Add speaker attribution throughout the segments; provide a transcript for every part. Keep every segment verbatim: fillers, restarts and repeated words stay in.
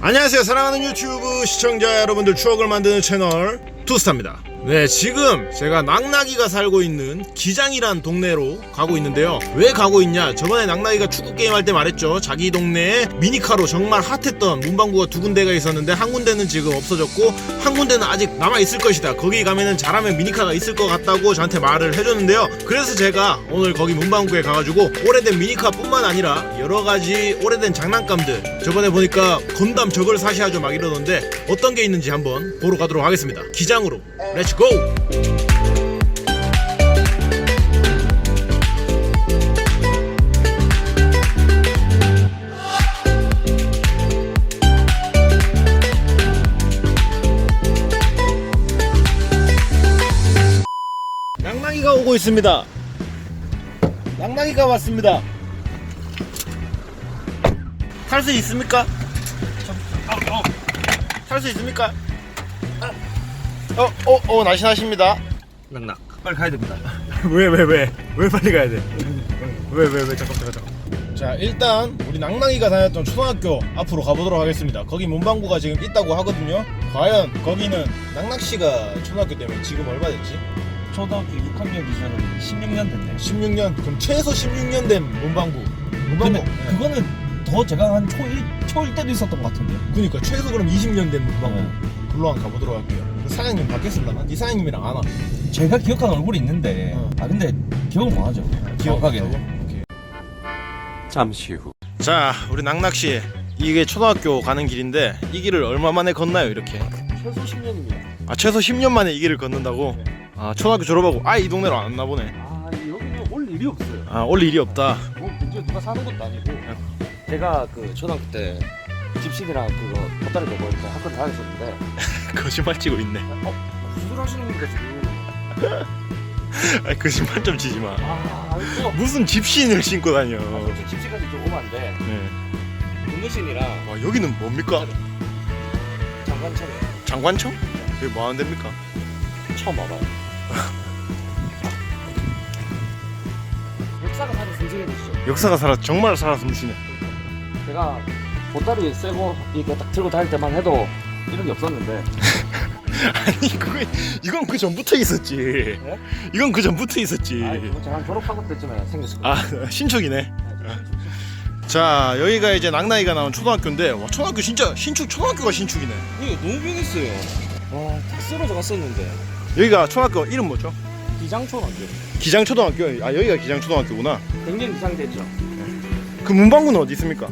Speaker 1: 안녕하세요, 사랑하는 유튜브 시청자 여러분들, 추억을 만드는 채널 투스타입니다. 네, 지금 제가 낙낙이가 살고 있는 기장이란 동네로 가고 있는데요. 왜 가고 있냐, 저번에 낙낙이가 축구게임 할 때 말했죠. 자기 동네에 미니카로 정말 핫했던 문방구가 두 군데가 있었는데 한 군데는 지금 없어졌고 한 군데는 아직 남아있을 것이다. 거기 가면은 잘하면 미니카가 있을 것 같다고 저한테 말을 해줬는데요. 그래서 제가 오늘 거기 문방구에 가가지고 오래된 미니카 뿐만 아니라 여러가지 오래된 장난감들, 저번에 보니까 건담 저걸 사시하죠 막 이러던데 어떤 게 있는지 한번 보러 가도록 하겠습니다. 기장으로 렛츠 고! 낙낙이가 오고 있습니다. 낙낙이가 왔습니다. 탈 수 있습니까? 탈 수 있습니까? 어, 어, 어, 날씬하십니다.
Speaker 2: 낙낙 빨리 가야 됩니다.
Speaker 1: 왜, 왜, 왜? 왜 빨리 가야 돼? 왜, 왜, 왜? 잠깐, 잠깐, 잠깐. 자, 일단 우리 낙낙이가 다녔던 초등학교 앞으로 가보도록 하겠습니다. 거기 문방구가 지금 있다고 하거든요. 과연 거기는 낙낙씨가 초등학교 때문에 지금 얼마 됐지?
Speaker 2: 초등학교 육 학년 기준은 십육 년 됐네.
Speaker 1: 십육 년? 그럼 최소 십육 년 된 문방구. 문방구.
Speaker 2: 근데
Speaker 1: 네.
Speaker 2: 그거는 더 제가 한 초일 초일 때도 있었던 것 같은데.
Speaker 1: 그니까 최소 그럼 이십 년 된 문방구.
Speaker 2: 네.
Speaker 1: 글로 한번 가보도록 할게요. 그 사장님 바뀌었을라나? 이 사장님이랑 안 와.
Speaker 2: 제가 기억하는 얼굴이 있는데
Speaker 1: 어.
Speaker 2: 아 근데 기억을 못 하죠. 기억하게는.
Speaker 1: 오케이.
Speaker 3: 잠시 후.
Speaker 1: 자, 우리 낙낙씨, 이게 초등학교 가는 길인데 이 길을 얼마 만에 걷나요, 이렇게?
Speaker 2: 최소 십 년입니다.
Speaker 1: 아, 최소 십 년 만에 이 길을 걷는다고?
Speaker 2: 네.
Speaker 1: 아, 초등학교 졸업하고 아예 이 동네로 안 왔나 보네.
Speaker 2: 아 여기는 올 일이 없어요.
Speaker 1: 아, 올 일이 없다.
Speaker 2: 뭐 문제 누가 사는 것도 아니고. 제가 그 초등학교 때 집신이랑 그거 돗다리 메고 이렇게 학교 다녔었는데.
Speaker 1: 거짓말 치고 있네.
Speaker 2: 어 무슨 소리 하시는 겁니까 지금?
Speaker 1: 아, 거짓말 좀 치지 마.
Speaker 2: 아 이거.
Speaker 1: 무슨 집신을 신고 다녀.
Speaker 2: 아, 솔직히 집시까지 좀 오면 안 돼.
Speaker 1: 네.
Speaker 2: 운동신이랑
Speaker 1: 와, 여기는 뭡니까?
Speaker 2: 장관차를
Speaker 1: 장관청? 여기 뭐 하는 데입니까?
Speaker 2: 처음 와봐요. 역사가 사실 숨쉬는 곳이죠.
Speaker 1: 역사가 살아, 정말 살아 숨쉬네.
Speaker 2: 제가 보따리 세고 이렇게 딱 들고 다닐 때만 해도 이런 게 없었는데.
Speaker 1: 아니, 그거, 이건 그 전부터 있었지.
Speaker 2: 네?
Speaker 1: 이건 그 전부터 있었지.
Speaker 2: 아, 그거 제가 졸업하고 때쯤에 생겼을 거예요.
Speaker 1: 아, 신축이네. 자, 여기가 이제 낙낙이가 나온 초등학교인데, 와, 초등학교 진짜 신축, 초등학교가 신축이네.
Speaker 2: 이거 너무 변했어요. 와, 다 쓰러져 갔었는데.
Speaker 1: 여기가 초등학교 이름 뭐죠?
Speaker 2: 기장초등학교.
Speaker 1: 기장초등학교. 아, 여기가 기장초등학교구나.
Speaker 2: 굉장히 이상됐죠.
Speaker 1: 그 문방구는 어디 있습니까?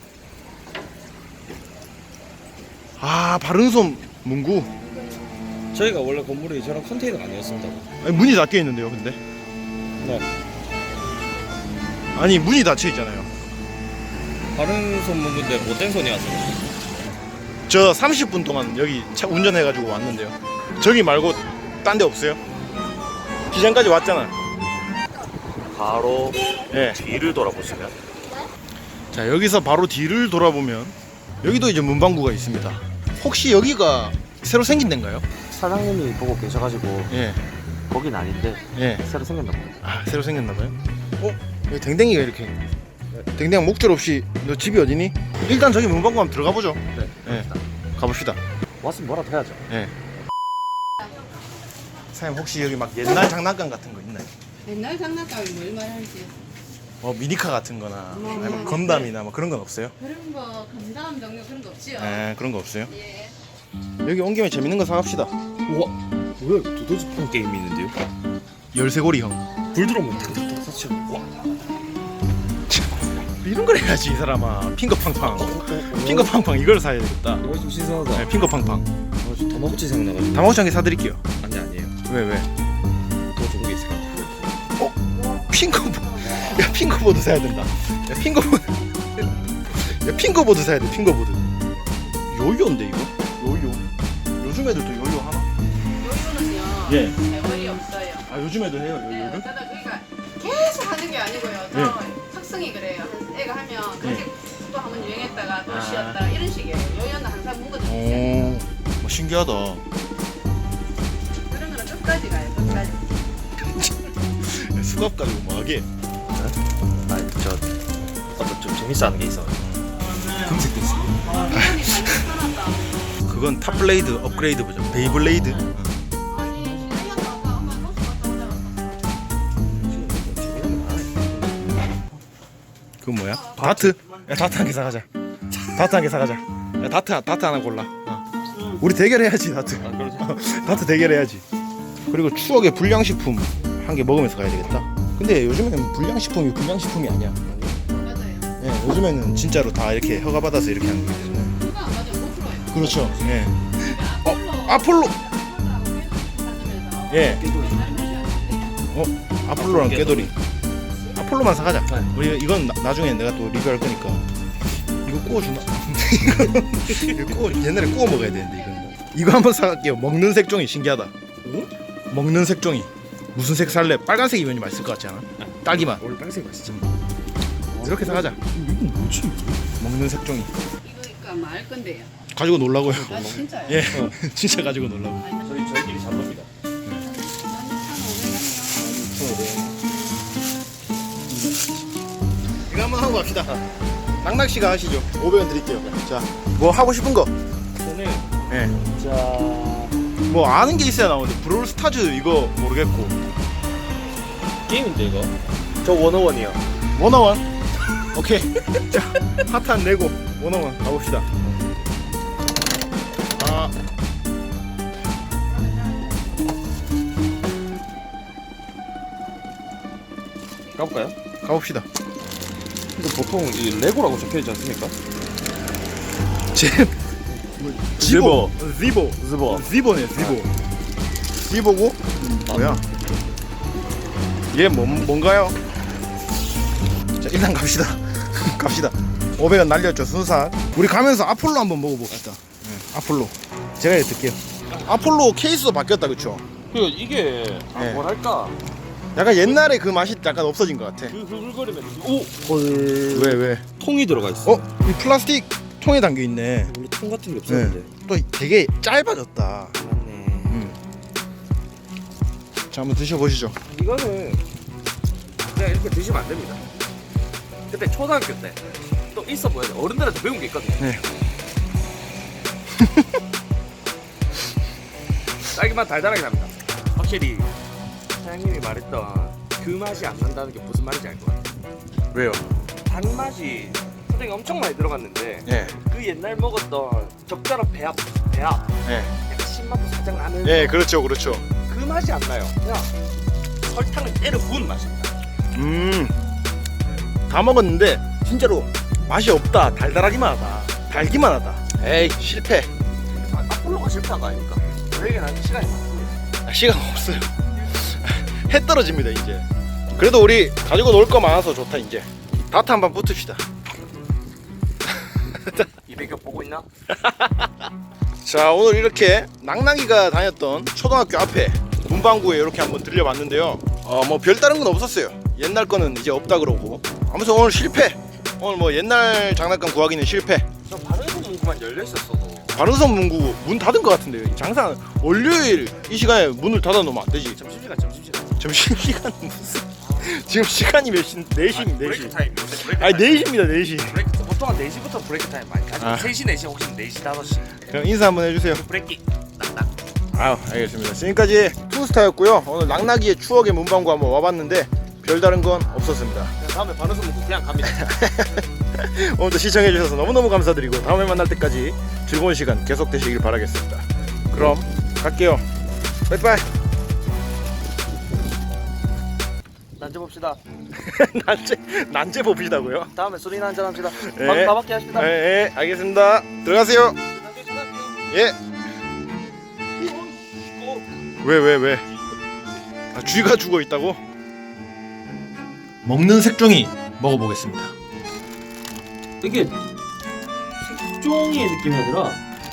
Speaker 1: 아, 바른솜 문구.
Speaker 2: 저희가 원래 건물이 저런 컨테이너가 아니었습니다.
Speaker 1: 아니, 문이 닫혀 있는데요, 근데.
Speaker 2: 네.
Speaker 1: 아니, 문이 닫혀 있잖아요.
Speaker 2: 다른 손 문인데 못된 손이 왔어요.
Speaker 1: 저 삼십 분 동안 여기 차 운전해가지고 왔는데요. 저기 말고 딴 데 없어요? 기장까지 왔잖아.
Speaker 2: 바로
Speaker 1: 예.
Speaker 2: 뒤를 돌아보시면
Speaker 1: 자, 여기서 바로 뒤를 돌아보면 여기도 이제 문방구가 있습니다. 혹시 여기가 새로 생긴 데인가요?
Speaker 2: 사장님이 보고 계셔가지고
Speaker 1: 예.
Speaker 2: 거긴 아닌데
Speaker 1: 예.
Speaker 2: 새로 생겼나 봐요.
Speaker 1: 아, 새로 생겼나봐요? 어? 여기 댕댕이가 이렇게. 댕댕이 목줄 없이. 너 집이 어디니? 일단 저기 문방구 한번 들어가 보죠.
Speaker 2: 네.
Speaker 1: 예. 가봅시다.
Speaker 2: 왔으면 뭐라도 해야죠.
Speaker 1: 예. 사장님, 혹시 여기 막 옛날 장난감 같은 거 있나요?
Speaker 4: 옛날 장난감이 뭘 말하는지
Speaker 1: 뭐 미니카 같은 거나
Speaker 4: 뭐,
Speaker 1: 아니면
Speaker 4: 뭐.
Speaker 1: 건담이나 뭐 그런 건 없어요?
Speaker 4: 그런 거 감담 종류 그런 거 없지요?
Speaker 1: 예, 그런 거 없어요?
Speaker 4: 예.
Speaker 1: 여기 온 김에 재밌는 거 사갑시다.
Speaker 2: 우와, 뭐야? 두더지판 게임이 있는데요?
Speaker 1: 열쇠고리 형.
Speaker 2: 불 들어오면 탁탁탁 사치. 와.
Speaker 1: 이런 걸 해야지, 이 사람아. 핑거팡팡. 핑거팡팡 이걸 사야 되겠다.
Speaker 2: 이거 좀 신선하다.
Speaker 1: 네, 핑거팡팡.
Speaker 2: 아, 저 다마고치 생각나가지고.
Speaker 1: 다마고치 한 개 사드릴게요.
Speaker 2: 아니 아니에요.
Speaker 1: 왜, 왜?
Speaker 2: 더 좋은 게 있을 것 같아요.
Speaker 1: 핑거보드. 야, 핑거보드 사야 된다. 야, 핑거보드. 야, 핑거보드 사야 돼, 핑거보드. 요요인데, 이거? 요요. 요즘 애들도 요요 하나?
Speaker 4: 요요는요
Speaker 1: 예.
Speaker 4: 세월이 없어요.
Speaker 1: 아, 요즘 애들 해요,
Speaker 4: 네,
Speaker 1: 요요를?
Speaker 4: 어쩌다 그러니까 계속 하는 게 아니고요. 또
Speaker 1: 예.
Speaker 4: 특성이 그래요. 애가 하면
Speaker 1: 예.
Speaker 4: 그렇게 또 한번 유행했다가 또
Speaker 1: 아.
Speaker 4: 쉬었다가 이런 식이에요. 요요는 항상 문거든요.
Speaker 1: 오, 뭐 신기하다.
Speaker 4: 그런 거는 끝까지 가요. 끝까지.
Speaker 1: 수갑 가지고 뭐 하게?
Speaker 2: 아니 저 어떤 좀 재밌어 하는 게 있어. 금색도 있어.
Speaker 4: 아, 이건이 완전 편하다.
Speaker 1: 그건 탑블레이드 업그레이드 버전. 베이블레이드.
Speaker 4: 아니, 시간이 아까 엄마 버스 갔다 오잖아.
Speaker 1: 그건 뭐야? 다트? 야 다트 한 개 사가자. 다트 한 개 사가자. 야 다트 다트 하나 골라. 어. 우리 대결해야지 다트.
Speaker 2: 아, 그러지.
Speaker 1: 다트 대결해야지. 그리고 추억의 불량식품 한 개 먹으면서 가야 되겠다. 근데 요즘에는 불량식품이 불량식품이 아니야.
Speaker 4: 맞아요.
Speaker 1: 예, 요즘에는 진짜로 다 이렇게 허가 받아서 이렇게 하는 거예요.
Speaker 4: 그거 안 맞아요. 고프로예요.
Speaker 1: 그렇죠. 예.
Speaker 4: 어,
Speaker 1: 아폴로. 예.
Speaker 2: 깨돌이.
Speaker 1: 어 아폴로랑 깨돌이. 아폴로만 사가자.
Speaker 2: 네.
Speaker 1: 우리 이건 나, 나중에 내가 또 리뷰할 거니까. 이거 구워주나? 이거 이거 구워 옛날에 구워 먹어야 되는데 이거. 이거 한번 사갈게요. 먹는 색종이 신기하다. 먹는 색종이. 무슨 색 살래? 빨간색이면 맛있을 것 같지 않아? 딸기맛.
Speaker 2: 원래 빨간색 맛있지.
Speaker 1: 이렇게 사가자.
Speaker 2: 이건 뭐지?
Speaker 1: 먹는 색종이.
Speaker 4: 이거니까 말 건데요.
Speaker 1: 가지고 놀라고요.
Speaker 4: 아, 진짜요?
Speaker 1: 예, 진짜 가지고 놀라고.
Speaker 2: 저희 저희끼리 잘 놉니다.
Speaker 1: 이거 한번 하고 갑시다. 낙낙 씨가 하시죠. 오백 원 드릴게요. 자, 뭐 하고 싶은 거?
Speaker 2: 저는
Speaker 1: 예.
Speaker 2: 자
Speaker 1: 뭐 아는 게 있어야 나오는데 브롤 스타즈 이거 모르겠고.
Speaker 2: 게임인데 이거. 저 원어원이요.
Speaker 1: 원어원. 오케이. 자, 핫한 내고 원어원 가봅시다. 아.
Speaker 2: 가볼까요?
Speaker 1: 가봅시다.
Speaker 2: 근데 보통 이 레고라고 적혀 있지 않습니까?
Speaker 1: 제 지보. 지보.
Speaker 2: 즈버.
Speaker 1: 지보네, 지보. 지보고 뭐야? 얘 뭐, 뭔가요? 자, 일단 갑시다. 갑시다. 오백 원 날렸죠, 순삭. 우리 가면서 아폴로 한번 먹어봅시다. 네, 아폴로. 제가 드릴게요. 아폴로 케이스도 바뀌었다, 그쵸?
Speaker 2: 그 이게 아,
Speaker 1: 네.
Speaker 2: 뭐랄까
Speaker 1: 약간 옛날에 그 맛이 약간 없어진 것 같아.
Speaker 2: 그 흐글거리면서 오
Speaker 1: 헐. 왜, 왜?
Speaker 2: 통이 들어가 있어.
Speaker 1: 어? 이 플라스틱 통에 담겨 있네.
Speaker 2: 원래 통 같은 게 없었는데.
Speaker 1: 또 되게 짧아졌다.
Speaker 2: 맞네.
Speaker 1: 음. 자, 한번 드셔보시죠.
Speaker 2: 이거는 그냥 이렇게 드시면 안 됩니다. 그때 초등학교 때 또 있어 보여요. 어른들한테 배운 게 있거든요.
Speaker 1: 네.
Speaker 2: 딸기맛 달달하게 납니다. 확실히 사장님이 말했던 그 맛이 안 난다는 게 무슨 말인지 알 것 같아요.
Speaker 1: 왜요?
Speaker 2: 단맛이 소장이 엄청 많이 들어갔는데
Speaker 1: 예.
Speaker 2: 그 옛날 먹었던 적절한 배합, 배합
Speaker 1: 예.
Speaker 2: 약간 신맛도 살짝 나는
Speaker 1: 예, 그렇죠, 그렇죠.
Speaker 2: 그 맛이 안 나요. 그냥 설탕을 때려 부은 맛입니다.
Speaker 1: 음. 다 먹었는데 진짜로 맛이 없다. 달달하기만 하다. 달기만 하다. 에이, 실패.
Speaker 2: 아, 아폴로가 실패한 거 아닙니까? 저에게는 아직 시간이 많습니다.
Speaker 1: 아, 시간 없어요. 해 떨어집니다, 이제. 그래도 우리 가지고 놀 거 많아서 좋다, 이제. 다트 한번 붙읍시다.
Speaker 2: 이백여 보고 있나?
Speaker 1: 자, 오늘 이렇게 낙낙이가 다녔던 초등학교 앞에 문방구에 이렇게 한번 들려봤는데요. 어, 뭐 별다른 건 없었어요. 옛날 거는 이제 없다 그러고. 아무튼 오늘 실패. 오늘 뭐 옛날 장난감 구하기는 실패.
Speaker 2: 저 바르는 문구만 열려 있었어도
Speaker 1: 바른섬 문구 문 닫은 것 같은데요. 장사 월요일 이 시간에 문을 닫아 놓으면 안 되지.
Speaker 2: 점심시간 점심시간.
Speaker 1: 점심시간 무슨 지금 시간이 몇 시? 네 시,
Speaker 2: 아니,
Speaker 1: 네
Speaker 2: 브레이크
Speaker 1: 시.
Speaker 2: 타임 요새 브레이크
Speaker 1: 아니
Speaker 2: 타임.
Speaker 1: 네 시입니다, 네 시.
Speaker 2: 브레이크 보통 한 네 시부터 브레이크 타임 많이 가죠.
Speaker 1: 아.
Speaker 2: 세 시, 네 시 혹시 네 시, 다섯 시.
Speaker 1: 그럼 인사 한번 해주세요.
Speaker 2: 브레이크 낙낙.
Speaker 1: 아유, 알겠습니다. 지금까지 투스타였고요. 오늘 낙낙이의 추억의 문방구 한번 와봤는데 별다른 건 없었습니다.
Speaker 2: 그냥 다음에 바르는 문구 그냥 갑니다.
Speaker 1: 오늘도 시청해주셔서 너무너무 감사드리고 다음에 만날 때까지 즐거운 시간 계속되시길 바라겠습니다. 그럼 갈게요. 빠이빠이.
Speaker 2: 난제 봅시다.
Speaker 1: 난제 난제 봅시다고요?
Speaker 2: 다음에 술이나 한잔 합시다.
Speaker 1: 예.
Speaker 2: 밥 밥밖에 하십니다.
Speaker 1: 예, 예, 알겠습니다. 들어가세요.
Speaker 2: 난제 전화할게요.
Speaker 1: 예. 왜, 왜, 왜? 아, 쥐가 죽어 있다고? 먹는 색종이 먹어보겠습니다.
Speaker 2: 이게 색종이의 느낌이 아니라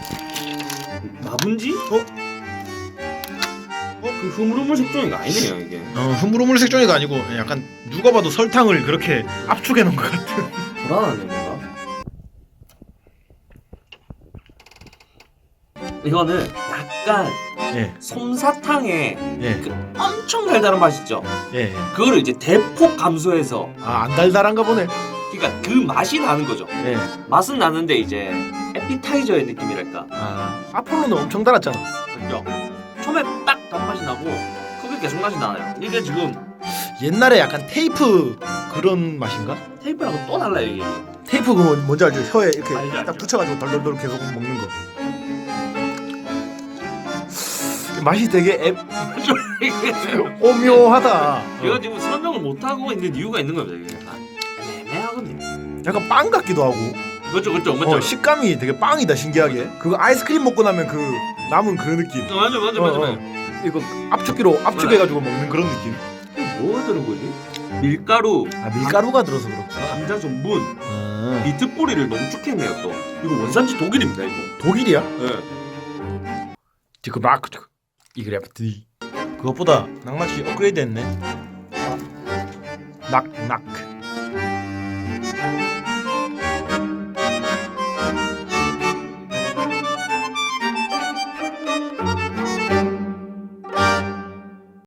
Speaker 2: 나분지? 어? 어? 그 흐물흐물 색종이가 아니네요 이게.
Speaker 1: 어, 흐물흐물 색종이가 아니고 약간 누가 봐도 설탕을 그렇게 압축해 놓은 것 같은.
Speaker 2: 불안하네 뭔가. 이거는 약간
Speaker 1: 예,
Speaker 2: 솜사탕의
Speaker 1: 예,
Speaker 2: 그 엄청 달달한 맛 있죠?
Speaker 1: 예.
Speaker 2: 그거를 이제 대폭 감소해서
Speaker 1: 아, 안 달달한가 보네.
Speaker 2: 그러니까 그 맛이 나는 거죠.
Speaker 5: 네.
Speaker 2: 맛은 나는데 이제 에피타이저의 느낌이랄까.
Speaker 5: 아 아폴로는 엄청 달았잖아.
Speaker 2: 그죠? 처음에 딱 단맛이 나고 그게 계속 맛이 나요. 이게 지금
Speaker 5: 옛날에 약간 테이프 그런 맛인가?
Speaker 2: 테이프랑은 또 달라요 이게.
Speaker 5: 테이프 그거 뭔지 알죠? 혀에 이렇게
Speaker 2: 알죠,
Speaker 5: 딱
Speaker 2: 알죠.
Speaker 5: 붙여가지고 덜덜덜 계속 먹는 거. 맛이 되게 애, 오묘하다.
Speaker 2: 제가 지금 설명을 못 하고 있는 이유가 있는 겁니다. 이게 약간 애매하거든요.
Speaker 5: 약간 빵 같기도 하고.
Speaker 2: 그렇죠, 그렇죠, 그렇죠.
Speaker 5: 어, 식감이 되게 빵이다 신기하게. 그거 아이스크림 먹고 나면 그 남은 그 느낌.
Speaker 2: 어, 맞아, 맞아,
Speaker 5: 어,
Speaker 2: 맞아.
Speaker 5: 어.
Speaker 2: 맞아.
Speaker 5: 이거 압축기로 압축해가지고 먹는 그런 느낌.
Speaker 2: 뭐가 들은 거지? 밀가루,
Speaker 5: 아 밀가루가 들어서 그렇구나.
Speaker 2: 감자 전분,
Speaker 5: 아,
Speaker 2: 비트뿌리를 농축했네요 또. 이거 원산지 독일입니다 이거.
Speaker 5: 독일이야?
Speaker 2: 네.
Speaker 5: 지금 락 이그래프티. 그것보다 낭맛이 업그레이드했네. 낙낙.